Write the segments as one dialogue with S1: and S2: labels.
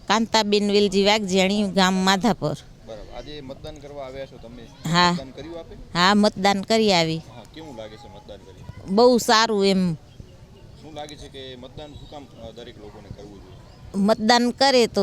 S1: કાંતાબેન વેલજી વાઘજાણી, ગામ માધાપર.
S2: બરાબર. આજે મતદાન કરવા આવ્યા છો તમે?
S1: હા.
S2: મતદાન કર્યું આપે?
S1: હા, મતદાન કરી આવી.
S2: હા, કેવું લાગે છે મતદાન કરી?
S1: બહુ સારું એમ.
S2: શું લાગે છે કે મતદાન શું કામ દરેક લોકોને કરવું જોઈએ?
S1: મતદાન કરે તો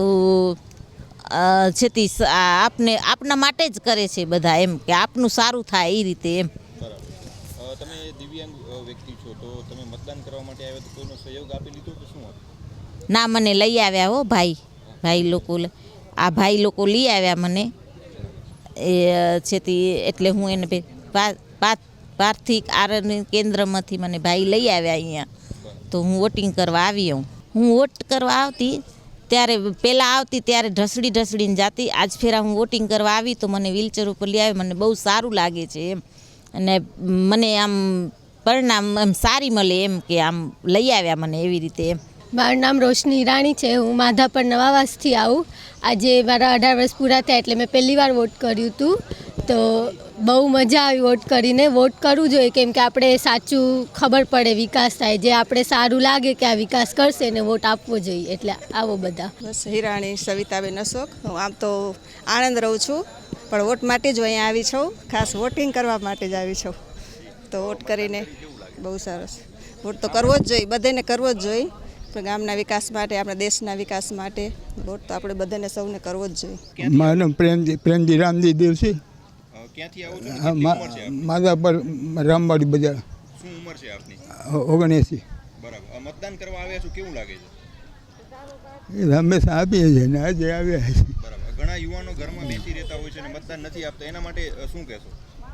S1: છેતી આપના માટે જ કરે છે બધા, એમ કે આપનું સારું થાય એ રીતે એમ.
S2: બરાબર. તમે દિવ્યાંગ વ્યક્તિ છો, તો તમે મતદાન કરવા માટે આવ્યા તો કોઈનો સહયોગ આપી લીધો કે શું હતું?
S1: ના, મને લઈ આવ્યા હો ભાઈ લોકો. આ ભાઈ લોકો લઈ આવ્યા મને એ છેતી, એટલે હું એને પાર્થિક આરોગ્ય કેન્દ્રમાંથી મને ભાઈ લઈ આવ્યા અહીંયા. તો હું વોટિંગ કરવા આવી. હું વોટ કરવા આવતી ત્યારે, પહેલાં આવતી ત્યારે ઢસડીને જાતી. આજ ફેરા હું વોટિંગ કરવા આવી તો મને વ્હીલચેર ઉપર લઈ આવી. મને બહુ સારું લાગે છે એમ, અને મને આમ પરિણામ એમ સારી મળે એમ, કે આમ લઈ આવ્યા મને એવી રીતે એમ.
S3: મારું નામ રોશની ઈરાણી છે. હું માધાપર નવાવાસથી આવું. આજે મારા 18 વર્ષ પૂરા થયા એટલે મેં પહેલી વાર વોટ કર્યું હતું. તો બહુ મજા આવી વોટ કરીને. વોટ કરવું જોઈએ કેમ કે આપણે સાચું ખબર પડે, વિકાસ થાય. જે આપણે સારું લાગે કે આ વિકાસ કરશે ને વોટ આપવો જોઈએ. એટલે આવો બધા.
S4: બસ હિરાણી સવિતાબેન અશોક. હું આમ તો આણંદ રહું છું, પણ વોટ માટે જ અહીંયા આવી છું. ખાસ વોટિંગ કરવા માટે જ આવી છું. તો વોટ કરીને બહુ સરસ. વોટ તો કરવો જ જોઈએ, બધાને કરવો જ જોઈએ. પણ ગામના વિકાસ માટે, આપણા દેશના વિકાસ માટે વોટ તો આપણે બધાને સૌને કરવો જ જોઈએ.
S5: મારું નામ પ્રેમજી રામજી દેવસી.
S2: ક્યાંથી આવો છો? કેટલી ઉંમર છે આપની?
S5: માધાપર રામવાડી બજાર.
S2: શું ઉંમર છે આપની?
S5: 79.
S2: બરાબર. મતદાન કરવા આવ્યા છો, કેવું લાગે છે?
S5: એ હંમેશા આપીએ છીએ ને આજે આવ્યા છે.
S2: બરાબર. ઘણા યુવાનો ઘરમાં બેસી રહેતા હોય છે અને મતદાન નથી આપતા, એના માટે શું કહેશો?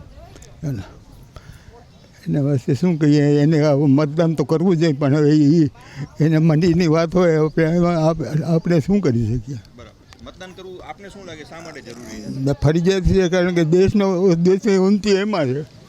S5: એના વાસ્તે શું કહીએ, એને મતદાન તો કરવું જોઈએ, પણ હવે એને મંડીની વાત હોય, આપણે શું કરી શકીએ?
S2: બરાબર. મતદાન કરવું આપને શું લાગે, શા માટે જરૂરી છે?
S5: ફરજિયાત છે, કારણ કે દેશની ઉન્નતિ એમાં છે.